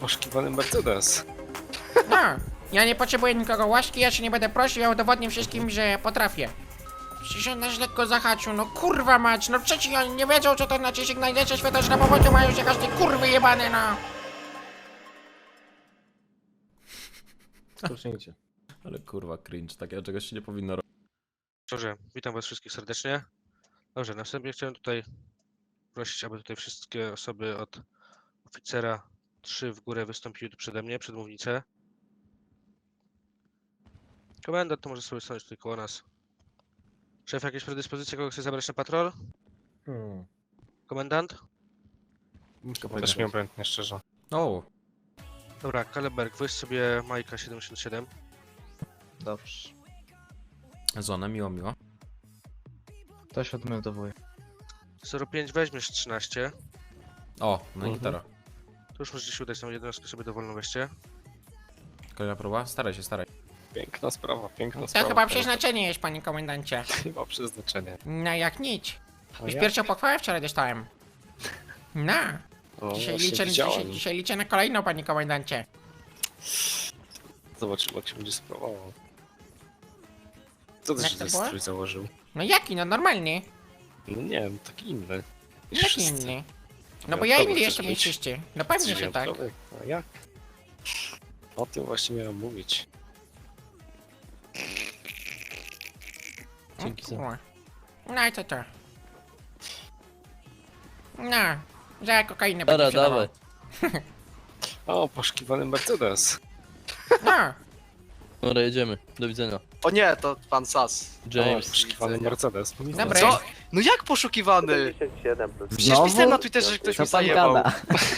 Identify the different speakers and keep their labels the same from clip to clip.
Speaker 1: poszukiwany Mercedes.
Speaker 2: No, ja nie potrzebuję nikogo łaski, ja się nie będę prosił, ja udowodnię wszystkim, że potrafię. Przecież on nas lekko zahaczył, no kurwa mać, no przecież oni nie wiedzą, co to znaczy sygnalizacja światła na powodziu, mają się każdy kurwy jebane, no.
Speaker 3: Spocznijcie.
Speaker 4: Ale kurwa cringe, takiego czegoś się nie powinno robić.
Speaker 5: Dobrze, witam was wszystkich serdecznie. Dobrze, następnie chciałem tutaj prosić, aby tutaj wszystkie osoby od oficera 3 w górę wystąpiły tu przede mnie, przed mównicę. Komendant to może sobie stanąć tutaj koło nas. Szef, jakieś predyspozycje, kogo chce zabrać na patrol? Komendant?
Speaker 1: Też mnie obojętnie, szczerze.
Speaker 4: O,
Speaker 5: Dobra, Kaleberg, weź sobie Majka 77.
Speaker 3: Dobrze.
Speaker 4: Zonę, miło.
Speaker 3: To się odmeldowuje.
Speaker 5: 05 weźmiesz 13.
Speaker 4: O, no i gitara.
Speaker 5: To już możecie się udać, tą jednostkę sobie dowolną weźcie.
Speaker 4: Kolejna próba? Staraj się.
Speaker 1: Piękna sprawa, piękna
Speaker 2: To
Speaker 1: sprawa.
Speaker 2: chyba przeznaczenie jest, panie komendancie.
Speaker 1: Chyba przeznaczenie.
Speaker 2: No jak nic.
Speaker 1: A
Speaker 2: Już
Speaker 1: ja?
Speaker 2: pierwszą pochwałę wczoraj dostałem. No,
Speaker 1: O,
Speaker 2: dzisiaj
Speaker 1: właśnie widziałem.
Speaker 2: dzisiaj liczę na kolejną, panie komendancie.
Speaker 1: Zobaczymy, jak się będzie sprawował. Co ty
Speaker 2: Jak
Speaker 1: się
Speaker 2: to
Speaker 1: ten
Speaker 2: było?
Speaker 1: strój założył?
Speaker 2: No jaki, no normalny.
Speaker 1: No nie wiem, taki inny. niż
Speaker 2: Jaki
Speaker 1: wszyscy.
Speaker 2: inny? No bo ja
Speaker 1: Wyjątkowy
Speaker 2: inny
Speaker 1: chcesz
Speaker 2: jestem niż
Speaker 1: być?
Speaker 2: wszyscy. No pewnie,
Speaker 1: Jesteś
Speaker 2: że tak.
Speaker 1: wyjątkowy? A jak? O tym właśnie miałem mówić.
Speaker 3: Dzięki za.
Speaker 2: Kurwa. No i co to? No, za kokainę będzie
Speaker 3: Dobra,
Speaker 2: sprzedawał.
Speaker 3: dawaj.
Speaker 1: O, poszukiwany Mercedes.
Speaker 2: No,
Speaker 3: Dobra, jedziemy. Do widzenia.
Speaker 6: O nie, to pan Sas.
Speaker 1: O,
Speaker 3: James.
Speaker 1: poszukiwany Mercedes.
Speaker 2: Dobry.
Speaker 6: Co? No jak poszukiwany? Przecież pisałem na Twitterze, że ktoś
Speaker 7: Co
Speaker 6: mi
Speaker 7: pan
Speaker 6: zajebał.
Speaker 7: gada?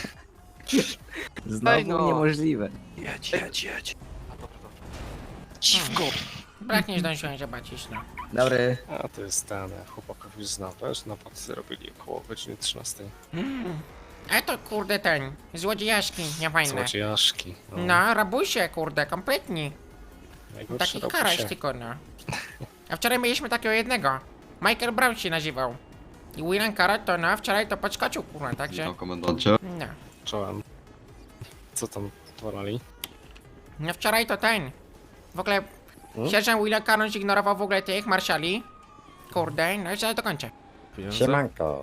Speaker 7: Znowu
Speaker 6: Ej, no.
Speaker 7: niemożliwe.
Speaker 1: Jedź. Dziwko.
Speaker 2: brak nie zdążyłem zobaczyć, no.
Speaker 7: Dobry.
Speaker 1: A to jest ten, chłopaków już znam, wiesz, napad robili około godziny 13.
Speaker 2: A to kurde ten, złodziejaszki, niefajne.
Speaker 1: Złodziejaszki.
Speaker 2: No, rabusie, kurde, kompletni.
Speaker 1: Najgorsze
Speaker 2: Taki
Speaker 1: robi
Speaker 2: karaś
Speaker 1: się.
Speaker 2: tylko, no. A wczoraj mieliśmy takiego jednego. Michael Brown się nazywał. I William Carrot to no, wczoraj to podskoczył, kurwa, także...
Speaker 8: Witam komendancie.
Speaker 2: No.
Speaker 1: Czołem. Co tam tworali?
Speaker 2: No wczoraj to ten. W ogóle sierżant William Carrot zignorował w ogóle tych marszali. Kurde, no i zaraz dokończę.
Speaker 4: Pieniądze?
Speaker 7: Siemanko.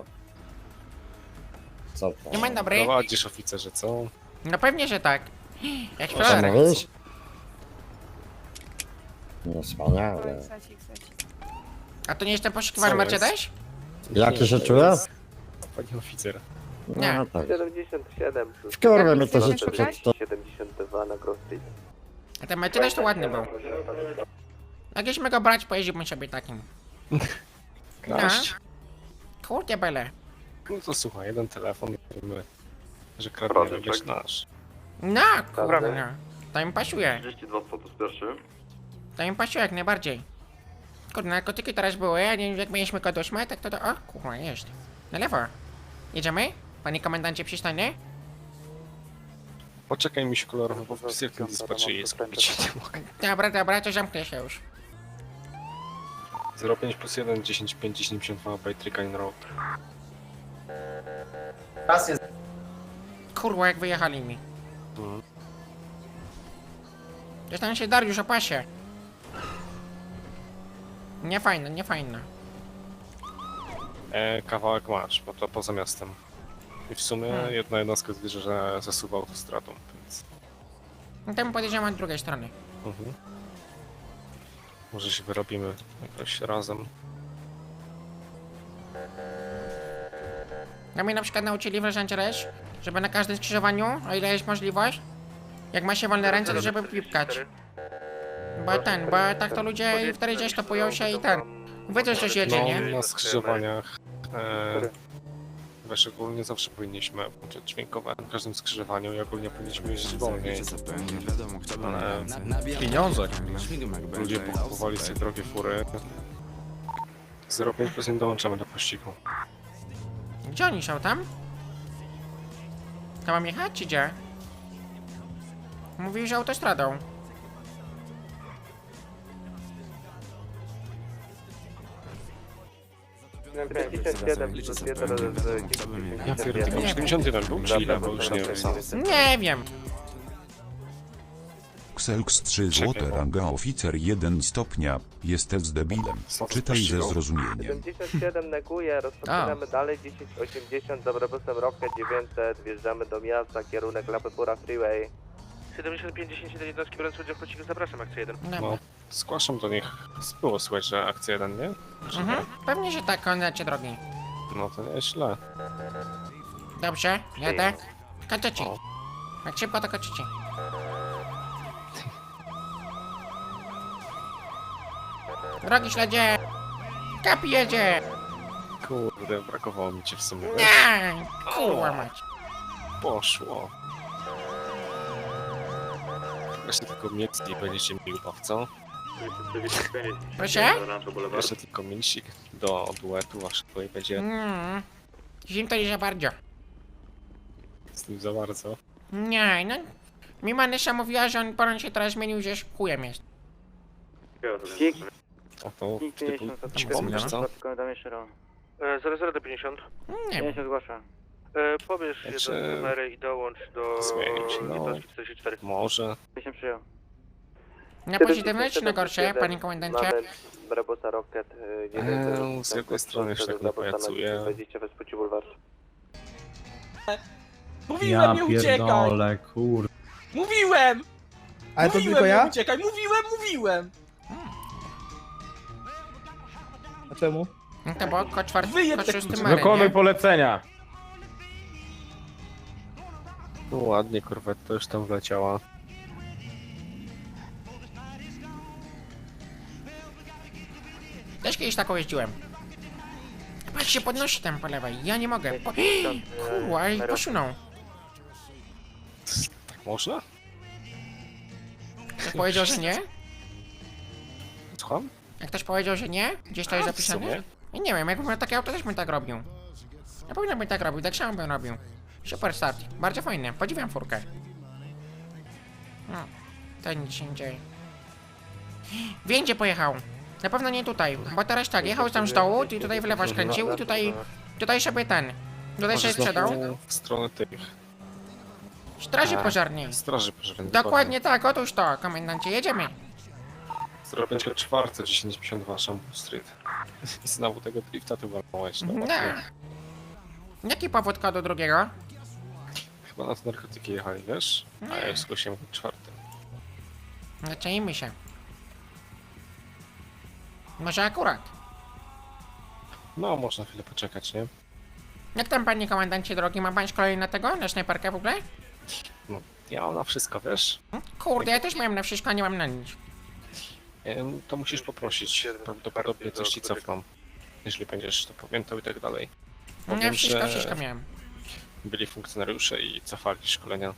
Speaker 7: Co to?
Speaker 2: Dzień dobry.
Speaker 1: Prowadzisz oficerze, co?
Speaker 2: No pewnie, że tak. Jak
Speaker 7: Co
Speaker 2: Florek.
Speaker 7: mówisz? No wspaniale.
Speaker 2: A to nie jestem poszukiwany
Speaker 1: Co jest?
Speaker 2: Mercedes?
Speaker 7: Jaki się czuję?
Speaker 1: Pani oficer.
Speaker 2: Nie.
Speaker 7: No tak.
Speaker 9: 77
Speaker 7: Wkurwę mnie to
Speaker 2: Jak
Speaker 7: życie
Speaker 2: chcecie
Speaker 7: przed to.
Speaker 9: 72 na Cross Street.
Speaker 2: A ten Mercedes to ładny był. Jakbyśmy go brać, pojeździłbym sobie takim.
Speaker 1: Kraść?
Speaker 2: Kurde bele.
Speaker 1: No to słuchaj, jeden telefon, wiemy, że kradniemy, wiesz, nasz.
Speaker 2: No, kurde, no. To im pasuje.
Speaker 9: 32 status pierwszy.
Speaker 2: To im pasuje jak najbardziej. Kurde, narkotyki teraz były, a nie jak mieliśmy kod 8, tak to... O, kurwa, jest. Na lewo. Jedziemy? Panie komendancie, przystań,
Speaker 1: Poczekaj mi się kolorowo, bo w tym dispatchu jest kupić nie mogę.
Speaker 2: Dobra, to zamknę się już.
Speaker 1: 05 plus 1, 10, 5, 10, 52 by Trickline Road.
Speaker 2: Kurwa, jak wyjechali mi.
Speaker 1: Mhm.
Speaker 2: Dostanę się Dariusz o pasie. Nie fajne.
Speaker 1: Kawałek masz, bo to poza miastem. I w sumie
Speaker 2: Hmm.
Speaker 1: jedna jednostka zbliży, że zasuwa autostradą, więc...
Speaker 2: No to my podjedziemy od drugiej strony.
Speaker 1: Mhm. Może się wyrobimy jakoś razem.
Speaker 2: No mnie na przykład nauczyli w Los Angeles, żeby na każdym skrzyżowaniu, o ile jest możliwość, jak ma się wolne ręce, to żeby pipkać. Bo tak to ludzie wtedy gdzieś topują się i ten. Wiedzą, że się jedzie, nie?
Speaker 1: No, na skrzyżowaniach... Wiesz, ogólnie zawsze powinniśmy włączyć dźwiękowe na każdym skrzyżowaniu i ogólnie powinniśmy jeździć wolniej. Ale
Speaker 4: Pieniądze.
Speaker 1: ludzie kupowali sobie drogie fury. 0,5 plus nie dołączamy do pościgu.
Speaker 2: Gdzie oni są tam? To mam jechać, czy gdzie? Mówił, że autostradą.
Speaker 9: 97 plus 1
Speaker 1: Ja pierdolę, tylko 71 był, czy ile, bo już nie wiem sam.
Speaker 2: Nie wiem.
Speaker 8: Xelx 3 złote ranga oficer 1 stopnia. Jesteś debilem. Czytaj ze zrozumieniem.
Speaker 9: 77 neguje, rozpoczynamy dalej 1080 z autobusem Rocket 900, wjeżdżamy do miasta, kierunek Lapepura Freeway.
Speaker 5: 75 10 jednostki biorąc udział w pociągu, zapraszam, akcja 1.
Speaker 2: Dobra.
Speaker 1: No, zgłaszam do nich. Było słychać, że akcja 1, nie? Że
Speaker 2: Mhm. Pewnie, że tak, komendancie drogi.
Speaker 1: No to nieźle.
Speaker 2: Dobrze, jadę. Kończycie.
Speaker 1: O.
Speaker 2: Jak szybko to kończycie. Drogi śledzie. Kapi jedzie.
Speaker 1: Kurde, brakowało mi cię w sumie. wiesz?
Speaker 2: Nie, kurwa mać.
Speaker 1: Poszło. Jeszcze tylko miecki będziecie mieli ubaw, co?
Speaker 2: Proszę?
Speaker 1: Jeszcze tylko mięsik do duetu waszego i będzie
Speaker 2: Zim to nie za bardzo.
Speaker 1: z tym za bardzo.
Speaker 2: Nie, no. Mi Manesza mówiła, że on się teraz zmienił, że chujem jest.
Speaker 1: A to typu pomnisz, co?
Speaker 5: 00 do 50.
Speaker 2: Nie wiem.
Speaker 5: Pobierz
Speaker 1: Znaczy-
Speaker 5: jedną numery i dołącz do
Speaker 1: Zmienić, no.
Speaker 5: jednostki 44.
Speaker 1: Może.
Speaker 2: Na pozytywne czy na gorsze, panie komendancie?
Speaker 9: Brebusa Rocket
Speaker 1: Z jakiej strony się tak napajacuje?
Speaker 9: Wejdziecie bez płci bulwar.
Speaker 10: Mówiłem, nie uciekaj!
Speaker 3: kur...
Speaker 10: Mówiłem!
Speaker 3: Ale to
Speaker 10: Mówiłem,
Speaker 3: tylko ja?
Speaker 10: nie uciekaj! Mówiłem!
Speaker 3: A czemu?
Speaker 2: No to było ko czwarty,
Speaker 10: Wyjeb
Speaker 2: ko
Speaker 10: te
Speaker 2: szósty
Speaker 10: klucze.
Speaker 2: mary, nie?
Speaker 4: polecenia.
Speaker 1: No ładnie, korwetta już tam wleciała.
Speaker 2: Też kiedyś taką jeździłem. Patrz się podnosi tam po lewej, ja nie mogę. Kurwa, i posunął.
Speaker 1: Tak można?
Speaker 2: Ktoś powiedział, że nie?
Speaker 1: Słucham?
Speaker 2: Jak ktoś powiedział, że nie? Gdzieś to jest
Speaker 1: A, w
Speaker 2: zapisane?
Speaker 1: sumie.
Speaker 2: I nie wiem, jakbym miał takie auto, też bym tak robił. Ja powinien bym tak robił, tak samo bym robił. Super start, bardzo fajny, podziwiam furkę. No, to nic się nie dzieje. Więdzie pojechał. Na pewno nie tutaj, bo teraz tak, jechał tam z dołu, i tutaj w lewo skręcił i tutaj sobie ten. Tutaj się
Speaker 1: Może
Speaker 2: sprzedał.
Speaker 1: znowu w stronę tych
Speaker 2: Straży pożarnej.
Speaker 1: straży pożarnej.
Speaker 2: Dokładnie tak, otóż to, komendancie, jedziemy.
Speaker 1: 04 1052 Shampoo Street. I znowu tego drifta tu walnąłeś, no.
Speaker 2: No. Jaki powód kodu drugiego?
Speaker 1: Chyba na to narkotyki jechali, wiesz? A ja już zgłosiłem kod 4.
Speaker 2: Zaczęliśmy się. Może akurat.
Speaker 1: No, można chwilę poczekać, nie?
Speaker 2: Jak tam, panie komendancie drogi, ma pan szkolenie na tego? Na snajperkę w ogóle?
Speaker 1: No, ja mam na wszystko, wiesz?
Speaker 2: Kurde, ja też miałem na wszystko, a nie mam na nic.
Speaker 1: To musisz poprosić. Prawdopodobnie coś ci cofną. Jeśli będziesz to pamiętał i tak dalej. Bo
Speaker 2: Ja
Speaker 1: wiem,
Speaker 2: wszystko miałem.
Speaker 1: byli funkcjonariusze i cofali szkolenia.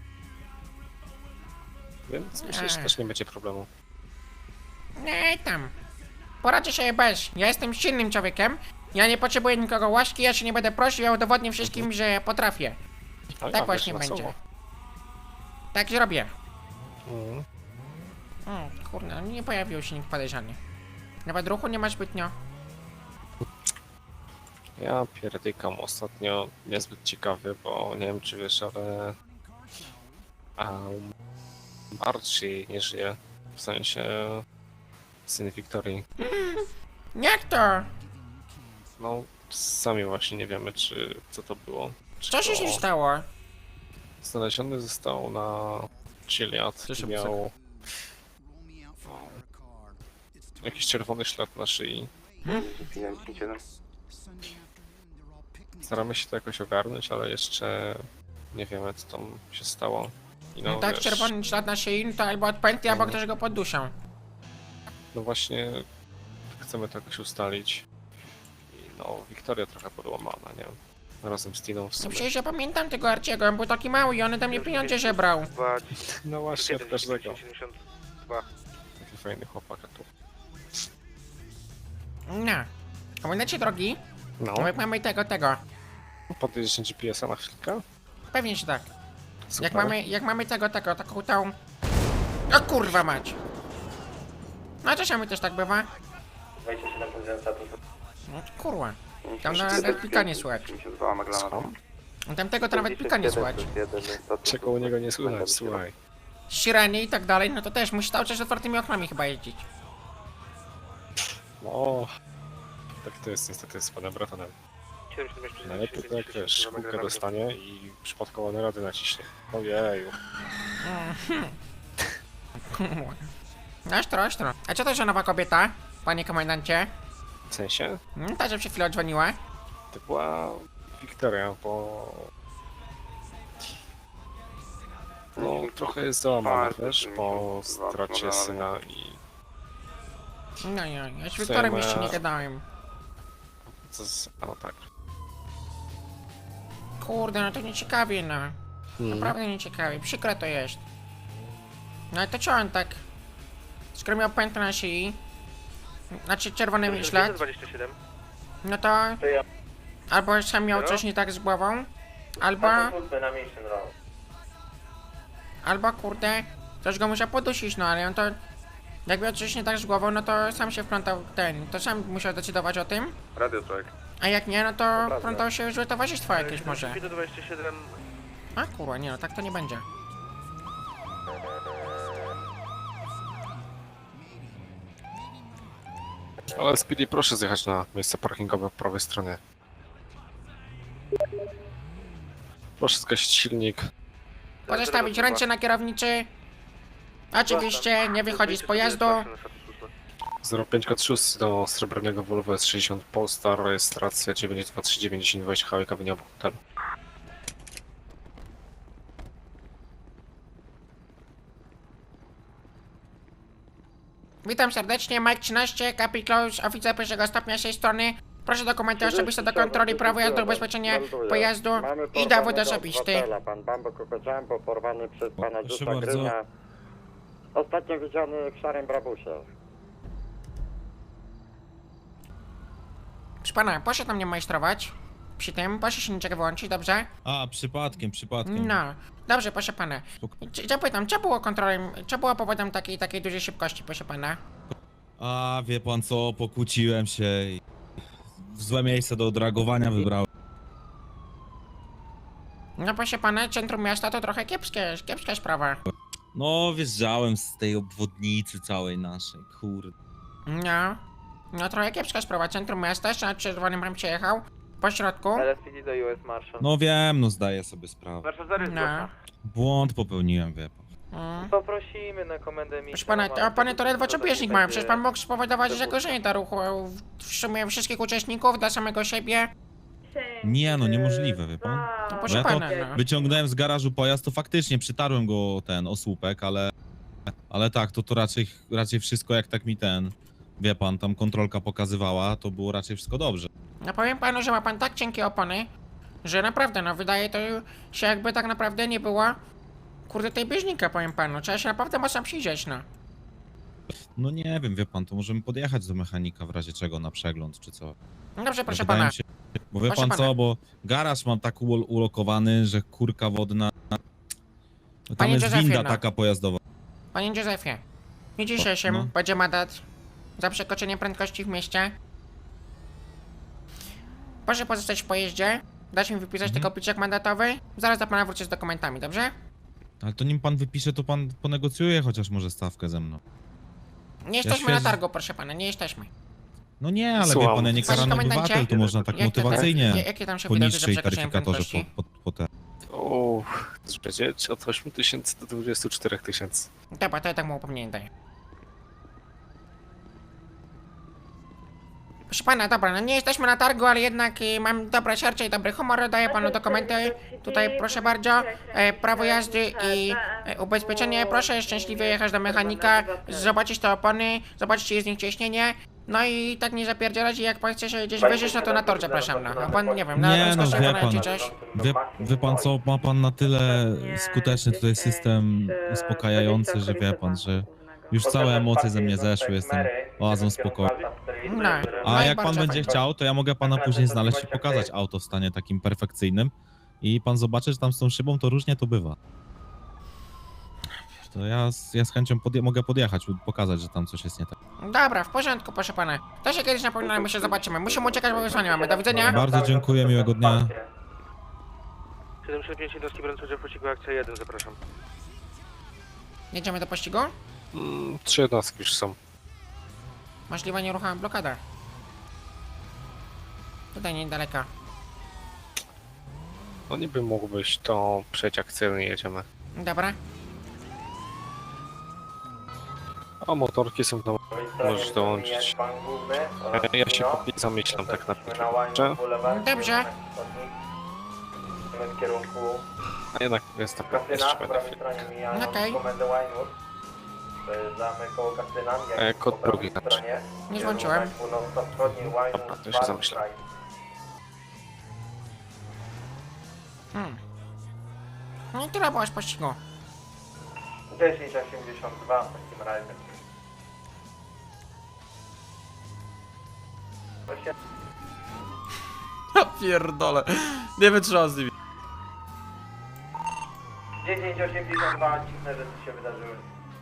Speaker 1: Więc myślę, że też nie będzie problemu.
Speaker 2: Nie tam. Poradzę sobie bez. Ja jestem silnym człowiekiem. Ja nie potrzebuję nikogo łaski, ja się nie będę prosił, ja udowodnię wszystkim, że potrafię.
Speaker 1: Ale
Speaker 2: Tak
Speaker 1: ja,
Speaker 2: właśnie
Speaker 1: wiesz,
Speaker 2: będzie.
Speaker 1: losowo.
Speaker 2: Tak zrobię.
Speaker 1: Mhm.
Speaker 2: Kurde, nie pojawił się nikt podejrzany. Nawet ruchu nie ma zbytnio.
Speaker 1: Ja pierdykam ostatnio niezbyt ciekawy, bo nie wiem czy wiesz, ale Archie nie żyje. W sensie syn Wiktorii.
Speaker 2: Jak to?
Speaker 1: No sami właśnie nie wiemy co to było. Czy
Speaker 2: Co się
Speaker 1: to
Speaker 2: z nim stało?
Speaker 1: znaleziony został na Chiliad
Speaker 4: Cześć,
Speaker 1: i miał jakiś czerwony ślad na szyi. Staramy się to jakoś ogarnąć, ale jeszcze nie wiemy co tam się stało. I
Speaker 2: No tak,
Speaker 1: wiesz,
Speaker 2: czerwony ślad na szyi, to albo od pętli, albo ktoś go poddusił.
Speaker 1: No właśnie chcemy to jakoś ustalić. I no, Wiktoria trochę podłamana, nie? Razem z Tiną w
Speaker 2: No
Speaker 1: sumie.
Speaker 2: przecież ja pamiętam tego Arciego, on był taki mały i on ode mnie pieniądze żebrał.
Speaker 1: No właśnie, od każdego.
Speaker 5: 72.
Speaker 1: Taki fajny chłopak tu.
Speaker 2: No. Komendancie drogi,
Speaker 1: No,
Speaker 2: jak mamy tego.
Speaker 1: podjedziesz GPS-a na chwilkę?
Speaker 2: Pewnie, że tak.
Speaker 1: Super.
Speaker 2: Jak mamy taką tą... O kurwa mać! No czasami też tak bywa.
Speaker 9: 27 status.
Speaker 2: No kurwa. Tam nawet pika nie słychać.
Speaker 1: Co?
Speaker 2: Tamtego to nawet pika nie słychać.
Speaker 1: Czego u niego nie słychać, słuchaj.
Speaker 2: Sireny i tak dalej, no to też musi cały czas z otwartymi oknami chyba jeździć.
Speaker 1: No... Tak to jest niestety z panem Bratonem. Najlepiej to jak wiesz, kółkę dostanie i przypadkowo na rady naciśnie. Ojeju.
Speaker 2: Ostro, ostro. A co to za nowa kobieta, panie komendancie?
Speaker 1: W sensie?
Speaker 2: Ta, że przed chwilą dzwoniła.
Speaker 1: To była Wiktoria, bo... No, trochę jest załamana, wiesz, po stracie syna i...
Speaker 2: No, ja z Wiktorem jeszcze nie gadałem.
Speaker 1: A no tak.
Speaker 2: Kurde, no to nieciekawie, no. Naprawdę nieciekawie, przykre to jest. No ale to co on tak? Skoro miał pętlę na szyi, znaczy czerwony ślad,
Speaker 9: 27.
Speaker 2: no to albo sam miał coś nie tak z głową, albo kurde, coś go musiał podusić, no ale on to, jak miał coś nie tak z głową, no to sam się wplątał to sam musiał decydować o tym,
Speaker 9: Radio Track.
Speaker 2: a jak nie, no to wplątał się w złe towarzystwo jakieś może.
Speaker 9: 27.
Speaker 2: A kurwa, nie no, tak to nie będzie.
Speaker 1: Ale Speedy, proszę zjechać na miejsce parkingowe po prawej stronie. Proszę zgasić silnik.
Speaker 2: Pozostawić ręce na kierownicy. Oczywiście nie wychodzi z pojazdu.
Speaker 1: 05 kod 6 do srebrnego Volvo S60 Polestar, rejestracja 92390 Highway Avenue obok hotelu.
Speaker 2: Witam serdecznie, Mike 13, Capi Close, oficer pierwszego stopnia z tej strony. Proszę dokumenty osobiste do kontroli, prawo jazdy, ubezpieczenie pojazdu i dowód osobisty.
Speaker 7: Pan Bambo Jumbo porwany przez pana
Speaker 4: Proszę
Speaker 7: Jusa
Speaker 4: bardzo.
Speaker 7: Gryna. Ostatnio widziany w szarym brabusie.
Speaker 2: Proszę pana, proszę tam nie majstrować. Przy tym, proszę silniczek wyłączyć, dobrze?
Speaker 11: A, przypadkiem.
Speaker 2: No, dobrze, proszę pana. Zapytam, co było kontrolą, co było powodem takiej dużej szybkości, proszę pana?
Speaker 11: A, wie pan co, pokłóciłem się i złe miejsce do dragowania wybrałem.
Speaker 2: No proszę pana, centrum miasta to trochę kiepska sprawa.
Speaker 11: No, wjeżdżałem z tej obwodnicy całej naszej, kurde.
Speaker 2: No trochę kiepska sprawa, centrum miasta, jeszcze na czerwonym bym przejechał. Po środku.
Speaker 9: LSPD do US Marshal.
Speaker 11: No wiem, no zdaję sobie sprawę.
Speaker 9: Warszawa zarys
Speaker 2: No.
Speaker 11: Błąd popełniłem, wie pan.
Speaker 9: Poprosimy na komendę miejską.
Speaker 2: Proszę pana, a pany to ledwo co bieżnik mają, przecież pan mógł spowodować zagrożenie dla ruchu w sumie wszystkich uczestników, dla samego siebie.
Speaker 11: Nie, no niemożliwe, wie pan.
Speaker 2: No proszę
Speaker 11: Ja to
Speaker 2: pana, no.
Speaker 11: wyciągnąłem z garażu pojazd, to faktycznie przytarłem go o słupek, ale tak, to raczej wszystko jak tak mi wie pan, tam kontrolka pokazywała, to było raczej wszystko dobrze.
Speaker 2: No powiem panu, że ma pan tak cienkie opony, że naprawdę, no wydaje to się jakby tak naprawdę nie było, kurde, tej bieżnika, powiem panu. Trzeba się naprawdę mocno przyjrzeć, no.
Speaker 11: No nie wiem, wie pan, to możemy podjechać do mechanika w razie czego na przegląd, czy co.
Speaker 2: No dobrze, proszę
Speaker 11: Wydaje
Speaker 2: pana.
Speaker 11: mi się, bo wie
Speaker 2: Proszę
Speaker 11: pan
Speaker 2: pana.
Speaker 11: co, bo garaż mam tak ulokowany, że kurka wodna... No tam
Speaker 2: Panie
Speaker 11: jest
Speaker 2: Józefie,
Speaker 11: winda
Speaker 2: no.
Speaker 11: taka pojazdowa.
Speaker 2: Panie Józefie, w dniu dzisiejszym
Speaker 11: No.
Speaker 2: będzie mandat za przekroczenie prędkości w mieście. Proszę pozostać w pojeździe, dać mi wypisać tylko pliczek mandatowy, zaraz do pana wrócę z dokumentami, dobrze?
Speaker 11: Ale to nim pan wypisze, to pan ponegocjuje chociaż może stawkę ze mną.
Speaker 2: Nie jesteśmy
Speaker 11: świeżo-
Speaker 2: na targu, proszę pana, nie jesteśmy.
Speaker 11: No nie, ale wie
Speaker 1: Słucham.
Speaker 11: pan, ja nie
Speaker 2: Panie
Speaker 11: karany
Speaker 2: komendancie,
Speaker 11: obywatel, to można tak
Speaker 2: jakie tam-
Speaker 11: motywacyjnie
Speaker 2: jakie tam się
Speaker 11: po
Speaker 2: wydarzy za
Speaker 11: niższej
Speaker 2: przekroczenie
Speaker 11: taryfikatorze
Speaker 2: prędkości?
Speaker 11: po te.
Speaker 1: To będzie od 8000 do 24 000.
Speaker 2: Dobra, to ja tak mu upomnienie daję. Proszę pana, dobra, no nie jesteśmy na targu, ale jednak mam dobre serce i dobry humor, daję panu dokumenty. Tutaj proszę bardzo, prawo jazdy i ubezpieczenie. Proszę szczęśliwie jechać do mechanika, zobaczyć te opony, zobaczyć czy jest z nich ciśnienie. No i tak nie zapierdzielać i jak pan chce się gdzieś wyżyć, no to na tor zapraszam, no. A pan, nie wiem, na
Speaker 11: Nie, no
Speaker 2: rozkoszy
Speaker 11: wie
Speaker 2: pana
Speaker 11: pan,
Speaker 2: czy coś.
Speaker 11: wie pan co, ma pan na tyle skuteczny tutaj system uspokajający, że wie pan, że już całe emocje ze mnie zeszły, jestem oazą spokoju.
Speaker 2: No,
Speaker 11: A
Speaker 2: i
Speaker 11: jak pan
Speaker 2: bardzo
Speaker 11: będzie
Speaker 2: fajnie.
Speaker 11: chciał, to ja mogę pana później znaleźć i pokazać auto w stanie takim perfekcyjnym i pan zobaczy, że tam z tą szybą to różnie to bywa. To ja z chęcią mogę podjechać, pokazać, że tam coś jest nie tak.
Speaker 2: Dobra, w porządku, proszę pana. To się kiedyś napominamy, my się zobaczymy. Musimy uciekać, bo wysłanie mamy. Do widzenia.
Speaker 11: Bardzo dziękuję, miłego dnia.
Speaker 5: 765 jednostki broniące w pościgu akcja 1, zapraszam.
Speaker 2: Jedziemy do pościgu?
Speaker 1: 3 jednostki już są.
Speaker 2: Możliwa nieruchoma blokada. Tutaj niedaleko.
Speaker 1: No niby mógłbyś to przejść akcyjnie, jedziemy.
Speaker 2: Dobra.
Speaker 1: A motorki są tam, możesz dołączyć. Ja się póki zamyślam tak naprawdę.
Speaker 2: Dobrze.
Speaker 9: W kierunku
Speaker 1: A jednak jest taka jeszcze będę chwilę.
Speaker 2: Okej.
Speaker 9: Przejeżdżamy koło Kastyna.
Speaker 1: Kod drugi znaczy.
Speaker 2: Nie złączyłem.
Speaker 1: Dobra, to się zamyślam.
Speaker 2: No i tyle było z pościgu.
Speaker 9: 1082 w takim razie.
Speaker 4: Ja pierdolę. Nie wytrzymam z nimi.
Speaker 9: 1082, dziwne rzeczy się wydarzyły.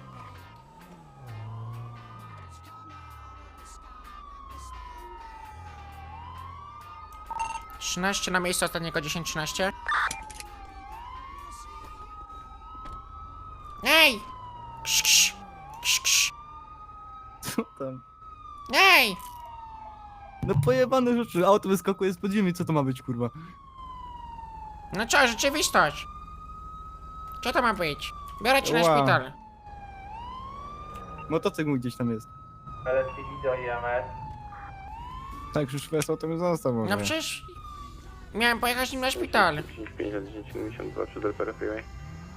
Speaker 2: Trzynaście na miejscu ostatniego 10-13. Ej! Ksz, ksz. Ksz, ksz.
Speaker 3: Co tam?
Speaker 2: Ej!
Speaker 3: No pojebane rzeczy, auto wyskakuje z podziemi, co to ma być, kurwa?
Speaker 2: No co, rzeczywistość? Co to ma być? Biorę cię na
Speaker 3: Wow.
Speaker 2: szpital.
Speaker 3: Motocykl mój gdzieś tam jest.
Speaker 9: LSPD do IMS.
Speaker 3: Tak, już fest auto mnie został może.
Speaker 2: No przecież... Miałem pojechać nim na szpital.
Speaker 9: 1052 przed LPR Freeway.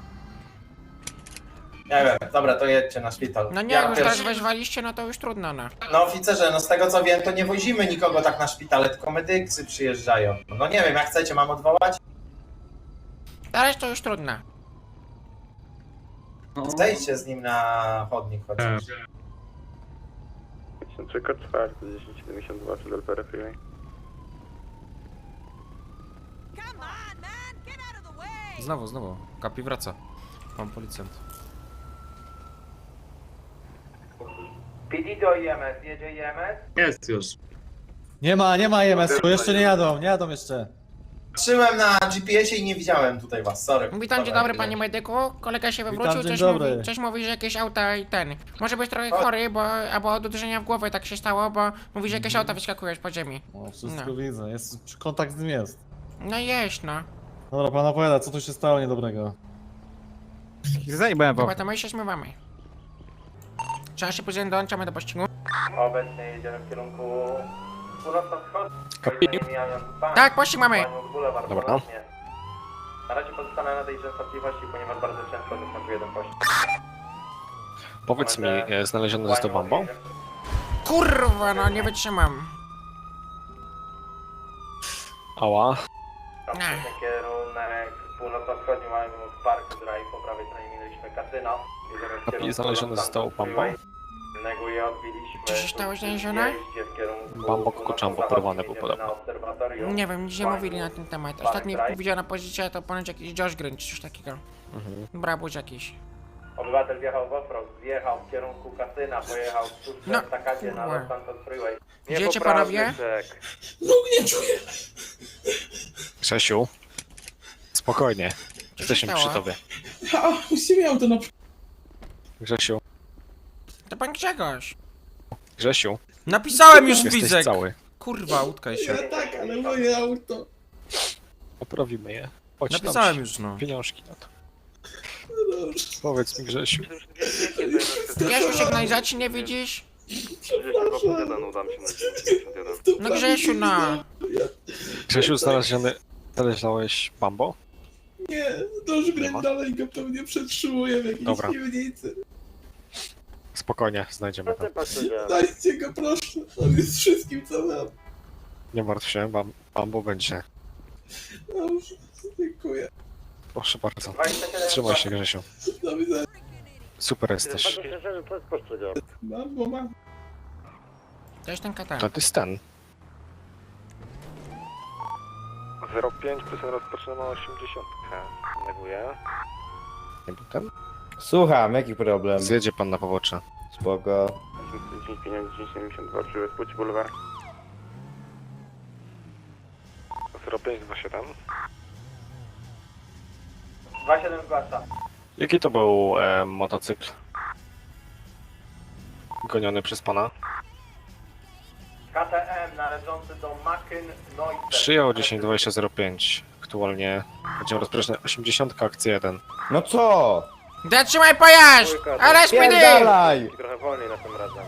Speaker 10: Nie wiem, dobra, to jedźcie na szpital.
Speaker 2: No nie,
Speaker 10: Ja
Speaker 2: jak już teraz
Speaker 10: pierwszy-
Speaker 2: wezwaliście, no to już trudno, no.
Speaker 10: No oficerze, no z tego co wiem, to nie wozimy nikogo tak na szpitale, tylko medycy przyjeżdżają. No nie wiem, jak chcecie, mam odwołać?
Speaker 2: Teraz to już trudno.
Speaker 10: Zejdźcie z nim na chodnik chociaż.
Speaker 9: 53 kod 4, 1072 przed LPR Freeway.
Speaker 4: Znowu. Kapi wraca. Pan policjant.
Speaker 9: PD do IMS, jedzie IMS?
Speaker 6: Jest już.
Speaker 3: Nie ma EMS-u, jeszcze nie jadą jeszcze.
Speaker 10: Patrzyłem na GPS-ie i nie widziałem tutaj was, sorry.
Speaker 2: Witam, dzień
Speaker 10: Dobra,
Speaker 2: dobry
Speaker 10: tyle.
Speaker 2: panie medyku. Kolega się wywrócił,
Speaker 3: Witam, dzień dobry.
Speaker 2: coś mówi, że jakieś auta i ten. Może być trochę chory, bo albo od uderzenia w głowę tak się stało, bo mówi, że jakieś auta wyskakują z podziemi.
Speaker 3: O, wszystko
Speaker 2: No.
Speaker 3: widzę, kontakt z nim jest.
Speaker 2: No jest, no.
Speaker 3: Dobra, pan opowiada, co tu się stało niedobrego? Zajebałem
Speaker 2: Chyba to my się zmywamy. Trzeba się później dołączamy do pościgu.
Speaker 9: Obecnie jedziemy w kierunku północno-wschodnim. Mijając bank.
Speaker 2: Tak, pościg mamy.
Speaker 9: Baniuk Boulevard,
Speaker 1: Dobra.
Speaker 9: ponownie. Na razie pozostanę na tej częstotliwości, ponieważ bardzo często występuje ten pościg.
Speaker 1: Powiedz mi, znalezione zostało Bambo?
Speaker 2: Kurwa, no nie wytrzymam.
Speaker 1: Ała.
Speaker 9: Następny kierunek północno-wschodni mamy Park Drive, po prawej stronie minęliśmy kasyno. Jedziemy w
Speaker 1: Kapi,
Speaker 9: kierunku
Speaker 1: znalezione
Speaker 9: Los
Speaker 1: zostało
Speaker 9: Santos
Speaker 1: Bambo?
Speaker 9: Freeway. Neguję, odbiliśmy.
Speaker 2: Co się stało znalezione?
Speaker 9: Wjeździe w kierunku
Speaker 1: Bambo Kokoczambo porwane był
Speaker 9: jedziemy
Speaker 1: podobno.
Speaker 9: na obserwatorium.
Speaker 2: Nie wiem, nic nie mówili na ten temat. Ostatni widziana pozycja to ponoć jakiś Josh Green czy coś takiego. Brabuś jakiś.
Speaker 9: Obywatel wjechał w offroad, zjechał w kierunku kasyna, pojechał w tuż
Speaker 2: No,
Speaker 9: w Takadzie na
Speaker 2: kurwa.
Speaker 9: Los Santos Freeway.
Speaker 2: Idziecie panowie?
Speaker 1: Grzesiu. Spokojnie. Jesteśmy
Speaker 2: stało?
Speaker 1: przy tobie. Grzesiu.
Speaker 2: To pan Grzegorz.
Speaker 1: Grzesiu.
Speaker 4: Napisałem już
Speaker 1: Jesteś
Speaker 4: Wizek!
Speaker 1: cały.
Speaker 4: Kurwa, utkaj się.
Speaker 10: Tak, ale moje auto.
Speaker 1: Poprawimy je. Chodź
Speaker 4: Napisałem
Speaker 1: tam,
Speaker 4: już, no.
Speaker 1: pieniążki na to. Powiedz mi, Grzesiu.
Speaker 2: Grzesiu, sygnalizacji nie widzisz? No Grzesiu, no.
Speaker 1: Grzesiu, znaleźłeś Bambo?
Speaker 10: Nie, Josh
Speaker 1: Nie ma?
Speaker 10: Green dalej go pewnie przetrzymuje w jakiejś
Speaker 1: Dobra.
Speaker 10: piwnicy.
Speaker 1: Spokojnie, znajdziemy to.
Speaker 10: Dajcie go proszę, on jest wszystkim co mam.
Speaker 1: Nie martw się, Bambo będzie.
Speaker 10: Dobrze, dziękuję.
Speaker 1: Proszę bardzo. Trzymaj się, Grzesiu.
Speaker 10: Do widzenia.
Speaker 1: Super jesteś.
Speaker 10: Mam, bo mam.
Speaker 2: To jest ten katan.
Speaker 1: To jest ten. 05 plus rozpoczynamy 80. Neguję. Nie był ten?
Speaker 3: Słucham, jaki problem?
Speaker 1: Zjedzie pan na pobocze.
Speaker 3: Spoko.
Speaker 7: 1072 przy Wespuci Boulevard.
Speaker 1: 0527.
Speaker 10: 27 zgłasza.
Speaker 1: Jaki to był motocykl? Goniony przez pana?
Speaker 10: KTM należący do Macyn Neusser.
Speaker 1: Przyjął 102005. Aktualnie będziemy rozpoczynać 80 akcji 1.
Speaker 3: No co?
Speaker 2: Zatrzymaj pojazd! Ale spiny!
Speaker 3: Pierdalaj!
Speaker 7: Trochę wolniej na tym razem.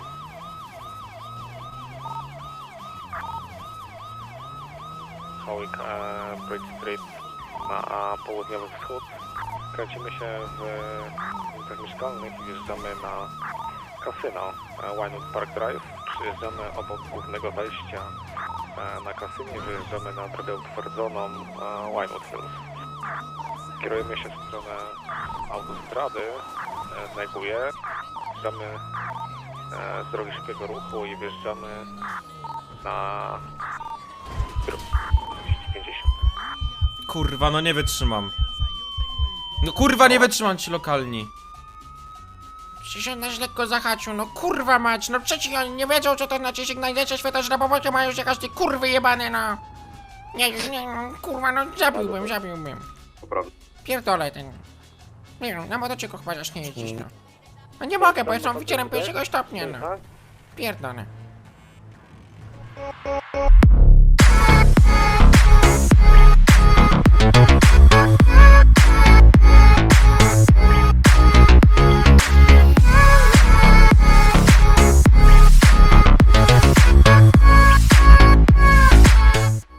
Speaker 1: Howick, Bridge Street na południowy wschód. Kręcimy się w ulicach mieszkalnych i wjeżdżamy na kasyno Winewood Park Drive. Przyjeżdżamy obok głównego wejścia na kasynie i wyjeżdżamy na drogę utwardzoną Winewood Hills. Kierujemy się w stronę autostrady, neguję. Wjeżdżamy z drogi szybkiego ruchu i wjeżdżamy na drogę 250.
Speaker 4: Kurwa, no nie wytrzymam. No kurwa, nie wytrzymam ci lokalni.
Speaker 2: Przecież on nas lekko zahaczył, no kurwa mać, no przecież oni nie wiedzą co to znaczy sygnalizacja światła żrabowocia, mają już jakaś ty kurwy jebane, no. Nie, kurwa, no zabiłbym. Pierdolę ten. Nie wiem, na motocyklu chyba zacznie jeździć, no. No nie mogę, bo jestem oficerem pierwszego stopnia, no. Pierdolę.